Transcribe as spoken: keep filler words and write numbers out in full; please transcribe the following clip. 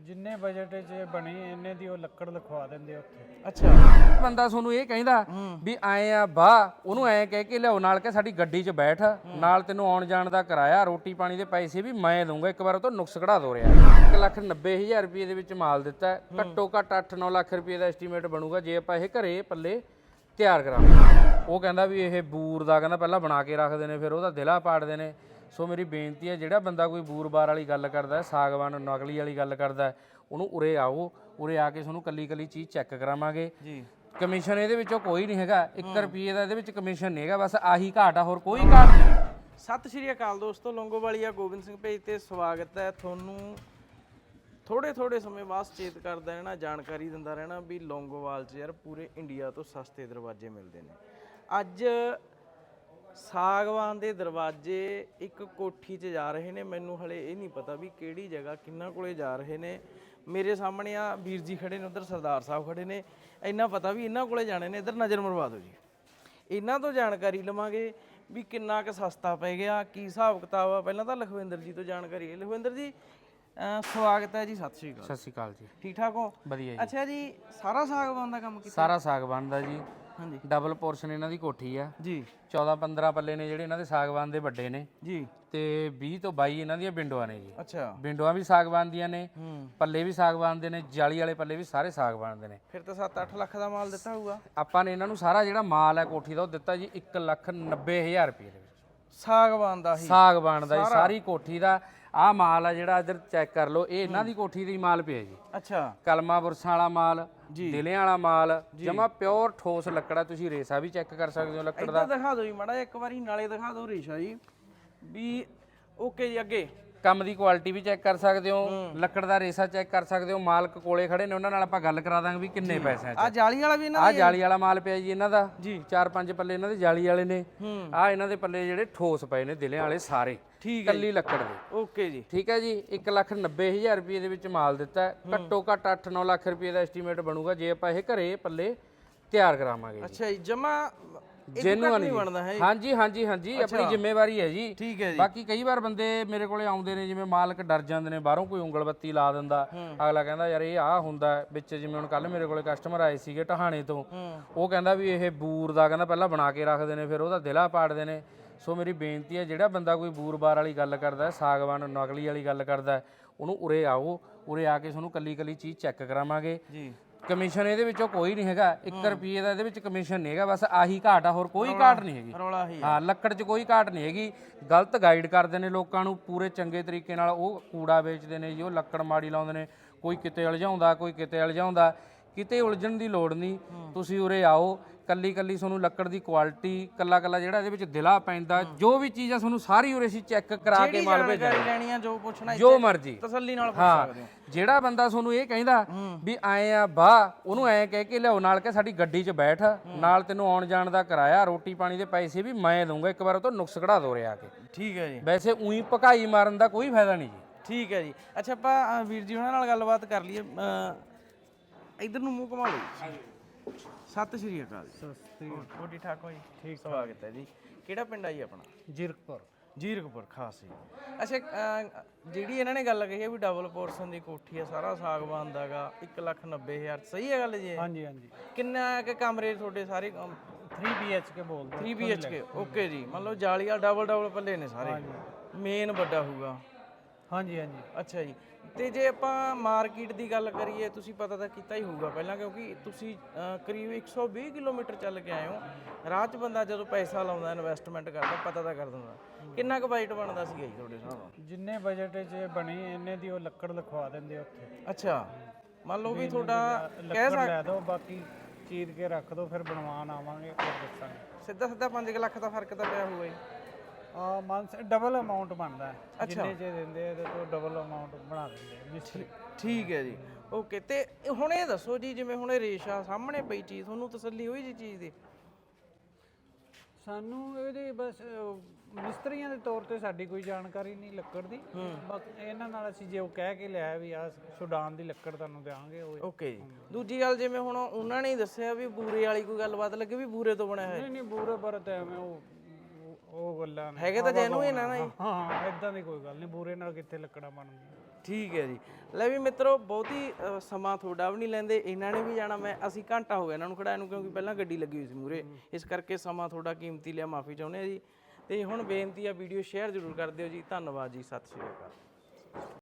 ਜਿੰਨੇ ਬਜਟ 'ਚ ਬਣੀ ਇੰਨੇ ਦੀ ਉਹ ਲੱਕੜ ਲਿਖਵਾ ਦਿੰਦੇ ਉੱਥੇ। ਅੱਛਾ, ਬੰਦਾ ਤੁਹਾਨੂੰ ਇਹ ਕਹਿੰਦਾ ਵੀ ਆਏ ਆ ਬਾਹ ਉਹਨੂੰ ਐ ਕਹਿ ਕੇ ਲਿਆਓ ਨਾਲ ਕਿ ਸਾਡੀ ਗੱਡੀ 'ਚ ਬੈਠ ਨਾਲ ਤੈਨੂੰ ਆਉਣ ਜਾਣ ਦਾ ਕਿਰਾਇਆ ਰੋਟੀ ਪਾਣੀ ਦੇ ਪੈਸੇ ਵੀ ਮੈਂ ਦਊਂਗਾ, ਇੱਕ ਵਾਰ ਉਹ ਤੋਂ ਨੁਕਸ ਕਢਾ ਦੋ ਰਿਹਾ। ਇੱਕ ਲੱਖ ਨੱਬੇ ਹਜ਼ਾਰ ਰੁਪਏ ਦੇ ਵਿੱਚ ਮਾਲ ਦਿੱਤਾ, ਘੱਟੋ ਘੱਟ ਅੱਠ ਨੌ ਲੱਖ ਰੁਪਏ ਦਾ ਐਸਟੀਮੇਟ ਬਣੂਗਾ ਜੇ ਆਪਾਂ ਇਹ ਘਰੇ ਪੱਲੇ ਤਿਆਰ ਕਰਾਂਗੇ। ਉਹ ਕਹਿੰਦਾ ਵੀ ਇਹ ਬੂਰ ਦਾ ਕਹਿੰਦਾ ਪਹਿਲਾਂ ਬਣਾ ਕੇ ਰੱਖਦੇ ਨੇ ਫਿਰ ਉਹਦਾ ਦਿਲਾ ਪਾੜਦੇ ਨੇ। ਸੋ ਮੇਰੀ ਬੇਨਤੀ ਹੈ ਜਿਹੜਾ ਬੰਦਾ ਕੋਈ ਬੂਰ ਬਾਰ ਵਾਲੀ ਗੱਲ ਕਰਦਾ, ਸਾਗਵਾਨ ਨਕਲੀ ਵਾਲੀ ਗੱਲ ਕਰਦਾ, ਉਹਨੂੰ ਉਰੇ ਆਓ, ਉਰੇ ਆ ਕੇ ਤੁਹਾਨੂੰ ਕੱਲੀ ਕੱਲੀ ਚੀਜ਼ ਚੈੱਕ ਕਰਾਵਾਂਗੇ ਜੀ। ਕਮਿਸ਼ਨ ਇਹਦੇ ਵਿੱਚੋਂ ਕੋਈ ਨਹੀਂ ਹੈਗਾ, ਇੱਕ ਰੁਪਏ ਦਾ ਇਹਦੇ ਵਿੱਚ ਕਮਿਸ਼ਨ ਨਹੀਂ ਹੈਗਾ, ਬਸ ਆਹੀ ਘਾਟ ਆ, ਹੋਰ ਕੋਈ ਘਾਟ ਨਹੀਂ। ਸਤਿ ਸ਼੍ਰੀ ਅਕਾਲ ਦੋਸਤੋ, ਲੌਂਗੋਵਾਲੀਆ ਗੋਬਿੰਦ ਸਿੰਘ ਪੇਜ ਤੇ ਸਵਾਗਤ ਹੈ ਤੁਹਾਨੂੰ। ਥੋੜੇ ਥੋੜੇ ਸਮੇਂ ਬਾਅਦ ਚੇਤ ਕਰਦਾ ਰਹਿਣਾ, ਜਾਣਕਾਰੀ ਦਿੰਦਾ ਰਹਿਣਾ ਵੀ ਲੌਂਗੋਵਾਲ 'ਚ ਯਾਰ ਪੂਰੇ ਇੰਡੀਆ ਤੋਂ ਸਸਤੇ ਦਰਵਾਜ਼ੇ ਮਿਲਦੇ ਨੇ। ਅੱਜ ਸਾਗਵਾਨ ਦੇ ਦਰਵਾਜ਼ੇ ਇੱਕ ਕੋਠੀ 'ਚ ਜਾ ਰਹੇ ਨੇ, ਮੈਨੂੰ ਹਲੇ ਇਹ ਨਹੀਂ ਪਤਾ ਵੀ ਕਿਹੜੀ ਜਗ੍ਹਾ ਕਿੰਨਾ ਕੋਲੇ ਜਾ ਰਹੇ ਨੇ। ਮੇਰੇ ਸਾਹਮਣੇ ਆ ਵੀਰ ਜੀ ਖੜੇ ਨੇ, ਉਧਰ ਸਰਦਾਰ ਸਾਹਿਬ ਖੜੇ ਨੇ, ਇੰਨਾ ਪਤਾ ਵੀ ਇਹਨਾਂ ਕੋਲੇ ਜਾਣੇ ਨੇ। ਇੱਧਰ ਨਜ਼ਰ ਮਰਵਾ ਦਿਓ ਜੀ, ਇਹਨਾਂ ਤੋਂ ਜਾਣਕਾਰੀ ਲਵਾਂਗੇ ਵੀ ਕਿੰਨਾ ਕੁ ਸਸਤਾ ਪੈ ਗਿਆ, ਕੀ ਹਿਸਾਬ ਕਿਤਾਬ ਆ। ਪਹਿਲਾਂ ਤਾਂ ਲਖਵਿੰਦਰ ਜੀ ਤੋਂ ਜਾਣਕਾਰੀ। ਲਖਵਿੰਦਰ ਜੀ ਸਵਾਗਤ ਹੈ ਜੀ, ਸਤਿ ਸ਼੍ਰੀ ਅਕਾਲ। ਸਤਿ ਸ਼੍ਰੀ ਅਕਾਲ ਜੀ, ਠੀਕ ਠਾਕ ਹੋ? ਵਧੀਆ ਜੀ। ਅੱਛਾ ਜੀ, ਸਾਰਾ ਸਾਗਵਾਨ ਦਾ ਕੰਮ ਕੀਤਾ? ਸਾਰਾ ਸਾਗਵਾਨ ਦਾ ਜੀ, ਹਾਂਜੀ। ਡਬਲ ਪੋਰਸ਼ਨ ਇਹਨਾਂ ਦੀ ਕੋਠੀ ਆ ਜੀ। ਚੌਦਾਂ ਪੰਦਰਾਂ ਪੱਲੇ ਨੇ ਜਿਹੜੇ ਇਹਨਾਂ ਦੇ ਸਾਗਵਾਨ ਦੇ ਵੱਡੇ ਨੇ ਜੀ। ਤੇ ਵੀਹ ਤੋਂ ਬਾਈ ਇਹਨਾਂ ਦੀਆਂ ਵਿੰਡੋਆਂ ਨੇ ਜੀ। ਅੱਛਾ, ਵਿੰਡੋਆਂ ਵੀ ਸਾਗਵਾਨ ਦੀਆਂ ਨੇ, ਹੂੰ, ਪੱਲੇ ਵੀ ਸਾਗਵਾਨ ਦੇ ਨੇ, ਜਾਲੀ ਵਾਲੇ ਪੱਲੇ ਵੀ ਸਾਰੇ ਸਾਗਵਾਨ ਦੇ ਨੇ। ਫਿਰ ਤਾਂ ਸੱਤ ਅੱਠ ਲੱਖ ਦਾ ਮਾਲ ਦਿੱਤਾ ਹੋਊਗਾ। ਆਪਾਂ ਨੇ ਇਹਨਾਂ ਨੂੰ ਸਾਰਾ ਜਿਹੜਾ ਮਾਲ ਹੈ ਕੋਠੀ ਦਾ ਉਹ ਦਿੱਤਾ ਜੀ ਇੱਕ ਲੱਖ ਨੱਬੇ ਹਜ਼ਾਰ ਰੁਪਏ ਦੇ ਵਿੱਚ। ਸਾਗਵਾਨ ਦਾ ਹੀ? ਸਾਗਵਾਨ ਦਾ ਜੀ, ਸਾਰੀ ਕੋਠੀ ਦਾ। ਆਹ ਮਾਲ ਆ ਜਿਹੜਾ ਇੱਧਰ ਚੈੱਕ ਕਰ ਲਓ, ਇਹ ਇਹਨਾਂ ਦੀ ਕੋਠੀ ਦਾ ਹੀ ਮਾਲ ਪਿਆ ਜੀ। ਅੱਛਾ, ਕਲਮਾ ਬੁਰਸਾਂ ਵਾਲਾ ਮਾਲ, ਦਿਲਿਆਂ ਵਾਲਾ ਮਾਲ, ਜਮਾ ਪਿਓਰ ਠੋਸ ਲੱਕੜਾ। ਤੁਸੀਂ ਰੇਸਾ ਵੀ ਚੈੱਕ ਕਰ ਸਕਦੇ ਹੋ ਲੱਕੜ ਦਾ। ਇੱਧਰ ਦਿਖਾ ਦਿਓ ਜੀ ਮਾੜਾ ਜਿਹਾ ਇੱਕ ਵਾਰੀ, ਨਾਲੇ ਦਿਖਾ ਦਿਓ ਰੇਸ਼ਾ ਜੀ ਵੀ। ਓਕੇ ਜੀ, ਅੱਗੇ ਕੰਮ ਦੀ ਕੁਆਲਿਟੀ ਵੀ ਚੈੱਕ ਕਰ ਸਕਦੇ ਹੋ, ਲੱਕੜ ਦਾ ਰੇਸਾ ਚੈੱਕ ਕਰ ਸਕਦੇ ਹੋ। ਮਾਲਕ ਕੋਲੇ ਖੜੇ ਨੇ, ਉਹਨਾਂ ਨਾਲ ਆਪਾਂ ਗੱਲ ਕਰਾ ਦਾਂਗੇ ਵੀ ਕਿੰਨੇ ਪੈਸਿਆਂ 'ਚ। ਆ ਜਾਲੀ ਵਾਲਾ ਵੀ ਇਹਨਾਂ ਆ ਜਾਲੀ ਵਾਲਾ ਮਾਲ ਪਿਆ ਜੀ ਇਹਨਾਂ ਦਾ ਜੀ। ਚਾਰ ਪੰਜ ਪੱਲੇ ਇਹਨਾਂ ਦੇ ਜਾਲੀ ਵਾਲੇ ਨੇ। ਆ ਇਹਨਾਂ ਦੇ ਪੱਲੇ ਜਿਹੜੇ ਠੋਸ ਪਏ ਨੇ ਦਿਲਿਆਂ ਵਾਲੇ ਸਾਰੇ, ਠੀਕ ਹੈ, ਕੱਲੀ ਲੱਕੜ ਦੇ। ਓਕੇ ਜੀ, ਠੀਕ ਹੈ ਜੀ। ਇੱਕ ਲੱਖ ਨੱਬੇ ਹਜ਼ਾਰ ਰੁਪਏ ਦੇ ਵਿੱਚ ਮਾਲ ਦਿੱਤਾ, ਘੱਟੋ ਘੱਟ ਅੱਠ ਨੌ ਲੱਖ ਰੁਪਏ ਦਾ ਐਸਟੀਮੇਟ ਬਣੂਗਾ ਜੇ ਆਪਾਂ ਇਹ ਘਰੇ ਪੱਲੇ ਤਿਆਰ ਕਰਾਵਾਂਗੇ। ਅੱਛਾ ਜੀ, ਜਮਾ ਜੈਨੂਅਨ ਨਹੀਂ ਬਣਦਾ ਹੈ? ਹਾਂਜੀ ਹਾਂਜੀ ਹਾਂਜੀ, ਆਪਣੀ ਜ਼ਿੰਮੇਵਾਰੀ ਹੈ ਜੀ। ਠੀਕ ਹੈ ਜੀ। ਬਾਕੀ ਕਈ ਵਾਰ ਬੰਦੇ ਮੇਰੇ ਕੋਲੇ ਆਉਂਦੇ ਨੇ, ਜਿਵੇਂ ਮਾਲਕ ਡਰ ਜਾਂਦੇ ਨੇ, ਬਾਹਰੋਂ ਕੋਈ ਉਂਗਲ ਬੱਤੀ ਲਾ ਦਿੰਦਾ, ਅਗਲਾ ਕਹਿੰਦਾ ਯਾਰ ਇਹ ਆਹ ਹੁੰਦਾ ਵਿੱਚ। ਜਿਵੇਂ ਹੁਣ ਕੱਲ ਮੇਰੇ ਕੋਲੇ ਕਸਟਮਰ ਆਏ ਸੀਗੇ ਟਹਾਣੇ ਤੋਂ, ਉਹ ਕਹਿੰਦਾ ਵੀ ਇਹ ਬੂਰ ਦਾ ਕਹਿੰਦਾ ਪਹਿਲਾਂ ਬਣਾ ਕੇ ਰੱਖਦੇ ਨੇ ਫਿਰ ਉਹਦਾ ਦਿਲਾ ਪਾੜਦੇ ਨੇ। ਸੋ ਮੇਰੀ ਬੇਨਤੀ ਹੈ ਜਿਹੜਾ ਬੰਦਾ ਕੋਈ ਬੂਰ ਬਾਰ ਵਾਲੀ ਗੱਲ ਕਰਦਾ, ਸਾਗਵਾਨ ਨਕਲੀ ਵਾਲੀ ਗੱਲ ਕਰਦਾ, ਉਹਨੂੰ ਉਰੇ ਆਓ, ਉਰੇ ਆ ਕੇ ਤੁਹਾਨੂੰ ਕੱਲੀ ਕੱਲੀ ਚੀਜ਼ ਚੈੱਕ ਕਰਾਵਾਂਗੇ ਜੀ। ਕਮਿਸ਼ਨ ਇਹਦੇ ਵਿੱਚੋਂ ਕੋਈ ਨਹੀਂ ਹੈਗਾ, ਇੱਕ ਰੁਪਏ ਦਾ ਇਹਦੇ ਵਿੱਚ ਕਮਿਸ਼ਨ ਨਹੀਂ ਹੈਗਾ, ਬਸ ਆਹੀ ਘਾਟ ਆ, ਹੋਰ ਕੋਈ ਘਾਟ ਨਹੀਂ ਹੈਗੀ। ਰੌਲਾ ਹੀ ਹਾਂ, ਲੱਕੜ 'ਚ ਕੋਈ ਘਾਟ ਨਹੀਂ ਹੈਗੀ। ਗਲਤ ਗਾਈਡ ਕਰਦੇ ਨੇ ਲੋਕਾਂ ਨੂੰ ਪੂਰੇ ਚੰਗੇ ਤਰੀਕੇ ਨਾਲ, ਉਹ ਕੂੜਾ ਵੇਚਦੇ ਨੇ ਜੀ, ਉਹ ਲੱਕੜ ਮਾੜੀ ਲਾਉਂਦੇ ਨੇ, ਕੋਈ ਕਿਤੇ ਉਲਝਾਉਂਦਾ, ਕੋਈ ਕਿਤੇ ਉਲਝਾਉਂਦਾ। ਕਿਤੇ ਉਲਝਣ ਦੀ ਲੋੜ ਨਹੀਂ, ਤੁਸੀਂ ਉਰੇ ਆਓ, ਕੱਲੀ ਕੱਲੀ ਤੁਹਾਨੂੰ ਲੱਕੜ ਦੀ ਕੁਆਲਿਟੀ, ਕੱਲਾ ਕੱਲਾ ਜਿਹੜਾ ਇਹਦੇ ਵਿੱਚ ਦਿਲਾ ਪੈਂਦਾ, ਜੋ ਵੀ ਚੀਜ਼ ਆ ਤੁਹਾਨੂੰ ਸਾਰੀ ਉਰੇ ਅਸੀਂ ਚੈੱਕ ਕਰਾ ਕੇ ਮਾਲ ਭੇਜਾਂਗੇ। ਲੈਣੀ ਆ ਜੋ ਪੁੱਛਣਾ ਜੋ ਮਰਜ਼ੀ ਤਸੱਲੀ ਨਾਲ ਪੁੱਛ ਸਕਦੇ ਹੋ। ਜਿਹੜਾ ਬੰਦਾ ਤੁਹਾਨੂੰ ਇਹ ਕਹਿੰਦਾ ਵੀ ਆਏ ਆ ਬਾਹ ਉਹਨੂੰ ਐ ਕਹਿ ਕੇ ਲਿਆਓ ਨਾਲ ਕਿ ਸਾਡੀ ਗੱਡੀ 'ਚ ਬੈਠ ਨਾਲ ਤੈਨੂੰ ਆਉਣ ਜਾਣ ਦਾ ਕਿਰਾਇਆ ਰੋਟੀ ਪਾਣੀ ਦੇ ਪੈਸੇ ਵੀ ਮੈਂ ਦਊਂਗਾ, ਇੱਕ ਵਾਰ ਉਹ ਤੋਂ ਨੁਕਸ ਕਢਾ ਦੋ ਰਿਹਾ ਆ ਕੇ। ਠੀਕ ਹੈ ਜੀ। ਵੈਸੇ ਉਹੀ ਭਕਾਈ ਮਾਰਨ ਦਾ ਕੋਈ ਫਾਇਦਾ ਨਹੀਂ ਜੀ। ਠੀਕ ਹੈ ਜੀ। ਅੱਛਾ, ਆਪਾਂ ਵੀਰ ਜੀ ਉਹਨਾਂ ਨਾਲ ਗੱਲਬਾਤ ਕਰ ਲਈਏ। ਇਧਰ ਨੂੰ ਮੂੰਹ ਘੁਮਾ ਲਓ। ਸਤਿ ਸ਼੍ਰੀ ਅਕਾਲ ਜੀ। ਸਤਿ ਸ੍ਰੀ ਅਕਾਲ। ਹੋਰ ਠੀਕ ਠਾਕ ਹੋ ਜੀ? ਠੀਕ, ਸਵਾਗਤ ਹੈ ਜੀ। ਕਿਹੜਾ ਪਿੰਡ ਆ ਜੀ ਆਪਣਾ? ਜੀਰਕਪੁਰ। ਜੀਰਕਪੁਰ ਖਾਸ ਜੀ। ਅੱਛਾ, ਜਿਹੜੀ ਇਹਨਾਂ ਨੇ ਗੱਲ ਕਹੀ ਹੈ ਵੀ ਡਬਲ ਪੋਰਸ਼ਨ ਦੀ ਕੋਠੀ ਆ, ਸਾਰਾ ਸਾਗਵਾਨ ਦਾਗਾ, ਇੱਕ ਲੱਖ ਨੱਬੇ ਹਜ਼ਾਰ, ਸਹੀ ਹੈ ਗੱਲ ਜੀ? ਹਾਂਜੀ ਹਾਂਜੀ। ਕਿੰਨਾ ਕੁ ਕਮਰੇ ਤੁਹਾਡੇ ਸਾਰੇ? ਥ੍ਰੀ ਬੀ ਐਚ ਕੇ ਬੋਲਦੇ। Three B H K, okay ਜੀ। ਮੰਨ ਲਓ ਜਾਲੀ ਵਾਲਾ ਡਬਲ ਡਬਲ ਪੱਲੇ ਨੇ ਸਾਰੇ, ਮੇਨ ਵੱਡਾ ਹੋਊਗਾ। ਹਾਂਜੀ ਹਾਂਜੀ। ਅੱਛਾ ਜੀ। ਤੇ ਜੇ ਆਪਾਂ ਮਾਰਕੀਟ ਦੀ ਗੱਲ ਕਰੀਏ, ਤੁਸੀਂ ਪਤਾ ਤਾਂ ਕੀਤਾ ਹੀ ਹੋਊਗਾ ਪਹਿਲਾਂ, ਕਿਉਂਕਿ ਤੁਸੀਂ ਕਰੀਬ ਇੱਕ ਸੌ ਵੀਹ ਕਿਲੋਮੀਟਰ ਚੱਲ ਕੇ ਆਏ ਹੋ। ਰਾਹ 'ਚ ਬੰਦਾ ਜਦੋਂ ਪੈਸਾ ਲਾਉਂਦਾ, ਇਨਵੈਸਟਮੈਂਟ ਕਰਦਾ, ਪਤਾ ਤਾਂ ਕਰ ਦਿੰਦਾ। ਕਿੰਨਾ ਕੁ ਬਜਟ ਬਣਦਾ ਸੀਗਾ ਜੀ ਤੁਹਾਡੇ ਹਿਸਾਬ ਨਾਲ? ਜਿੰਨੇ ਬਜਟ 'ਚ ਬਣੀ ਇੰਨੇ ਦੀ ਉਹ ਲੱਕੜ ਲਿਖਵਾ ਦਿੰਦੇ ਉੱਥੇ। ਅੱਛਾ, ਮੰਨ ਲਓ ਵੀ ਤੁਹਾਡਾ ਲੱਕੜ ਲੈ ਦਿਓ, ਬਾਕੀ ਚੀਰ ਕੇ ਰੱਖ ਦਿਓ, ਫਿਰ ਬਣਵਾਉਣ ਆਵਾਂਗੇ ਫਿਰ ਦੱਸਾਂਗੇ। ਸਿੱਧਾ ਸਿੱਧਾ ਪੰਜ ਲੱਖ ਦਾ ਫਰਕ ਤਾਂ ਪਿਆ ਹੋਊਗਾ ਜੀ। ਆ ਮੰਥ ਡਬਲ ਅਮਾਉਂਟ ਬਣਦਾ ਹੈ, ਜਿੰਨੇ 'ਚ ਦਿੰਦੇ ਇਹਦੇ ਤੋਂ ਡਬਲ ਅਮਾਉਂਟ ਬਣਾ ਦਿੰਦੇ ਆ ਮਿਸਤਰੀ। ਠੀਕ ਹੈ ਜੀ, ਓਕੇ। ਤੇ ਹੁਣ ਇਹ ਦੱਸੋ ਜੀ, ਜਿਵੇਂ ਹੁਣ ਇਹ ਰੇਸ਼ਾ ਸਾਹਮਣੇ ਪਈ ਚੀਜ਼, ਤੁਹਾਨੂੰ ਤਸੱਲੀ ਹੋਈ ਜੀ ਚੀਜ਼ ਦੀ? ਸਾਨੂੰ ਇਹਦੇ ਬਸ ਮਿਸਤਰੀਆਂ ਦੇ ਤੌਰ ਤੇ ਸਾਡੀ ਕੋਈ ਜਾਣਕਾਰੀ ਨਹੀਂ ਲੱਕੜ ਦੀ, ਬਾਕੀ ਇਹਨਾਂ ਨਾਲ ਅਸੀਂ ਜੇ ਉਹ ਕਹਿ ਕੇ ਲਿਆ ਵੀ ਆ ਸੁਡਾਨ ਦੀ ਲੱਕੜ ਤੁਹਾਨੂੰ ਦੇਵਾਂਗੇ ਉਹ। ਓਕੇ ਜੀ। ਦੂਜੀ ਗੱਲ, ਜਿਵੇਂ ਹੁਣ ਉਹਨਾਂ ਨੇ ਹੀ ਦੱਸਿਆ ਵੀ ਬੂਰੇ ਵਾਲੀ ਕੋਈ ਗੱਲਬਾਤ ਲੱਗੇ ਵੀ ਬੂਰੇ ਤੋਂ ਬਣਿਆ ਹੋਇਆ? ਨਹੀਂ ਨਹੀਂ, ਬੂਰੇ ਬਰਤ ਐਵੇਂ ਉਹ ਉਹ ਗੱਲਾਂ ਨੇ ਹੈਗੇ ਤਾਂ ਜੈਨੂਇਨ ਆ ਨਾ ਜੀ। ਹਾਂ, ਇਦਾਂ ਦੀ ਕੋਈ ਗੱਲ ਨਹੀਂ, ਬੂਰੇ ਨਾਲ ਕਿੱਥੇ ਲੱਕੜਾਂ ਬਣਦੀਆਂ। ਠੀਕ ਹੈ ਜੀ। ਲੈ ਵੀ ਮਿੱਤਰੋ ਬਹੁਤੀ ਅ, ਸਮਾਂ ਤੁਹਾਡਾ ਵੀ ਨਹੀਂ ਲੈਂਦੇ, ਇਹਨਾਂ ਨੇ ਵੀ ਜਾਣਾ, ਮੈਂ ਅਸੀਂ ਘੰਟਾ ਹੋ ਗਿਆ ਇਹਨਾਂ ਨੂੰ ਖੜਾਇਆ ਨੂੰ, ਕਿਉਂਕਿ ਪਹਿਲਾਂ ਗੱਡੀ ਲੱਗੀ ਹੋਈ ਸੀ ਮੂਰੇ, ਇਸ ਕਰਕੇ ਸਮਾਂ ਤੁਹਾਡਾ ਕੀਮਤੀ ਲਿਆ, ਮਾਫੀ ਚਾਹੁੰਦੇ ਆ ਜੀ। ਤੇ ਹੁਣ ਬੇਨਤੀ ਆ ਵੀਡੀਓ ਸ਼ੇਅਰ ਜ਼ਰੂਰ ਕਰ ਦਿਓ ਜੀ। ਧੰਨਵਾਦ ਜੀ, ਸਤਿ ਸ਼੍ਰੀ ਅਕਾਲ।